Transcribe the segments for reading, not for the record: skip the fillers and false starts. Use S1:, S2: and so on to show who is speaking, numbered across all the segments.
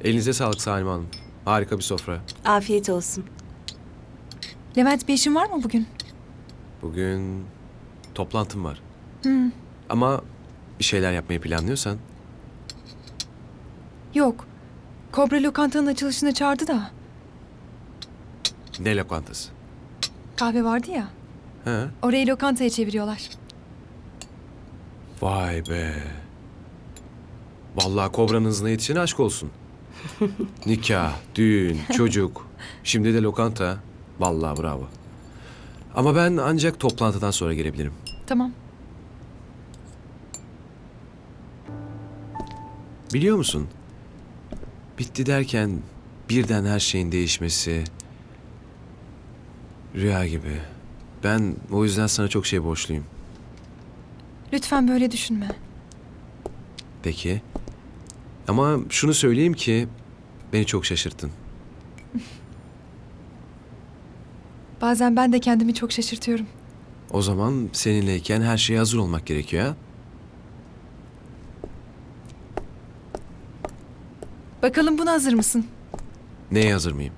S1: Elinize sağlık Salim Hanım. Harika bir sofra.
S2: Afiyet olsun.
S3: Levent, bir işin var mı bugün?
S1: Bugün toplantım var. Ama bir şeyler yapmayı planlıyorsan
S3: Yok. Kobra lokantanın açılışına çağırdı da.
S1: ne lokantası?
S3: Kahve vardı ya.
S1: He?
S3: Orayı lokantaya çeviriyorlar.
S1: Vay be. Vallahi kobranın hızına yetişene aşk olsun. Nikah, düğün, çocuk. Şimdi de lokanta. Vallahi bravo. Ama ben ancak toplantıdan sonra gelebilirim.
S3: Tamam.
S1: Biliyor musun? Bitti derken birden her şeyin değişmesi rüya gibi. Ben o yüzden sana çok şey borçluyum.
S3: Lütfen böyle düşünme.
S1: Peki. Ama şunu söyleyeyim ki beni çok şaşırttın.
S3: Bazen ben de kendimi çok şaşırtıyorum.
S1: O zaman seninleyken her şeye hazır olmak gerekiyor ha?
S3: Bakalım buna hazır mısın?
S1: Neye hazır mıyım?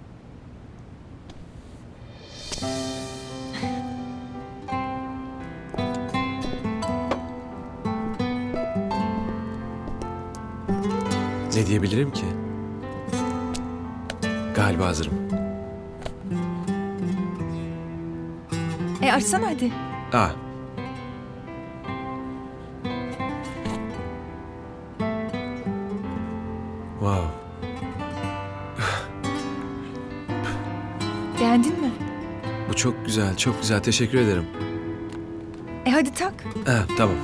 S1: Ne diyebilirim ki? Galiba hazırım.
S3: Açsana hadi.
S1: Ah. Wow.
S3: Beğendin mi?
S1: Bu çok güzel, çok güzel. Teşekkür ederim.
S3: Hadi tak.
S1: Tamam.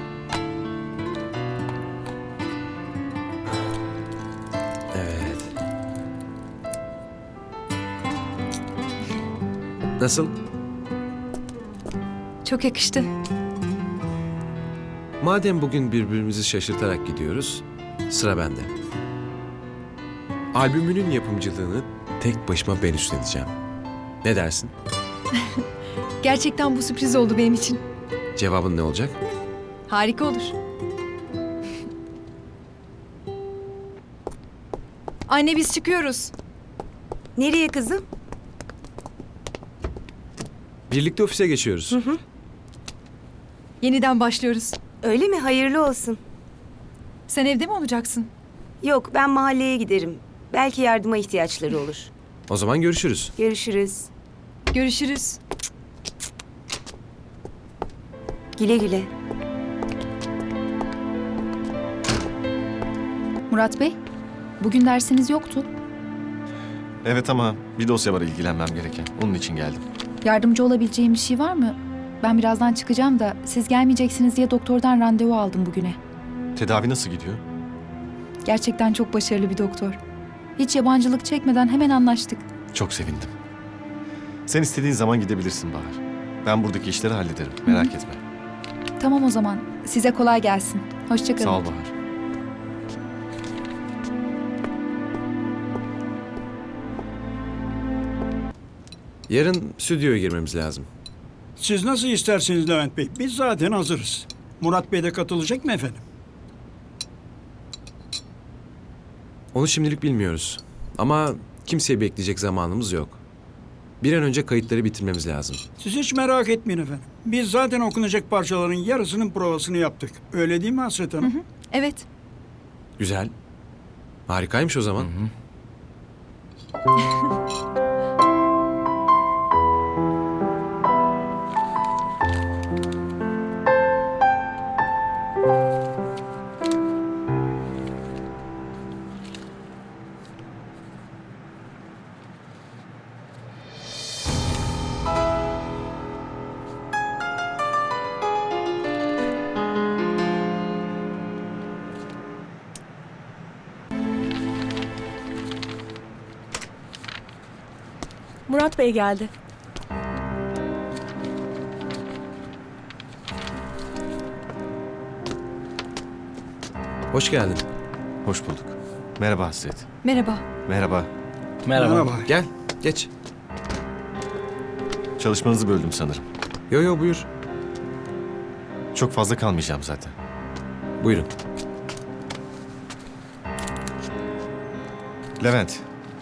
S1: Evet. Nasıl?
S3: Çok yakıştı.
S1: Madem bugün birbirimizi şaşırtarak gidiyoruz, sıra bende. Albümünün yapımcılığını tek başıma ben üstleneceğim. Ne dersin?
S3: Gerçekten bu sürpriz oldu benim için.
S1: Cevabın ne olacak?
S3: Harika olur. Anne, biz çıkıyoruz.
S2: Nereye kızım?
S1: Birlikte ofise geçiyoruz.
S3: Yeniden başlıyoruz.
S2: Öyle mi? Hayırlı olsun.
S3: Sen evde mi olacaksın?
S2: Yok, ben mahalleye giderim. Belki yardıma ihtiyaçları olur.
S1: O zaman görüşürüz.
S2: Görüşürüz.
S3: Görüşürüz.
S2: Güle güle.
S4: Murat Bey, bugün dersiniz yoktu.
S5: Evet ama bir dosya var ilgilenmem gereken. Onun için geldim.
S4: Yardımcı olabileceğim bir şey var mı? Ben birazdan çıkacağım da siz gelmeyeceksiniz diye doktordan randevu aldım bugüne.
S5: Tedavi nasıl gidiyor?
S4: Gerçekten çok başarılı bir doktor. Hiç yabancılık çekmeden hemen anlaştık.
S5: Çok sevindim. Sen istediğin zaman gidebilirsin Bahar. Ben buradaki işleri hallederim. Merak etme.
S4: Tamam o zaman. Size kolay gelsin. Hoşça kalın.
S5: Sağ ol Bahar.
S1: Yarın stüdyoya girmemiz lazım.
S6: Siz nasıl isterseniz Levent Bey. Biz zaten hazırız. Murat Bey de katılacak mı efendim?
S1: Onu şimdilik bilmiyoruz. Ama kimseyi bekleyecek zamanımız yok. Bir an önce kayıtları bitirmemiz lazım.
S6: Siz hiç merak etmeyin efendim. Biz zaten okunacak parçaların yarısının provasını yaptık. Öyle değil mi Hasret Hanım?
S3: Evet.
S1: Güzel. Harikaymış o zaman.
S2: Murat Bey geldi.
S1: Hoş geldin.
S5: Hoş bulduk. Merhaba Hasret.
S3: Merhaba.
S5: Merhaba.
S6: Merhaba.
S1: Gel, geç.
S5: Çalışmanızı böldüm sanırım.
S1: Yo buyur.
S5: Çok fazla kalmayacağım zaten.
S1: Buyurun.
S5: Levent.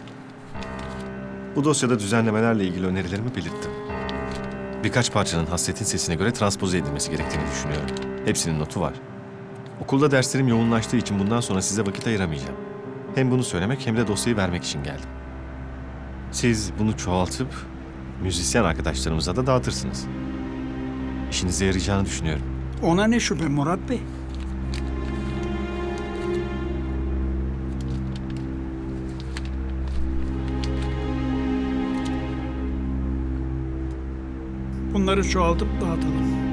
S5: Bu dosyada düzenlemelerle ilgili önerilerimi belirttim. Birkaç parçanın Hasret'in sesine göre transpoze edilmesi gerektiğini düşünüyorum. Hepsinin notu var. Okulda derslerim yoğunlaştığı için bundan sonra size vakit ayıramayacağım. Hem bunu söylemek hem de dosyayı vermek için geldim. Siz bunu çoğaltıp müzisyen arkadaşlarımıza da dağıtırsınız. İşinize yarayacağını düşünüyorum.
S6: Ona ne şüphe Murat Bey? Bunları çoğaltıp dağıtalım.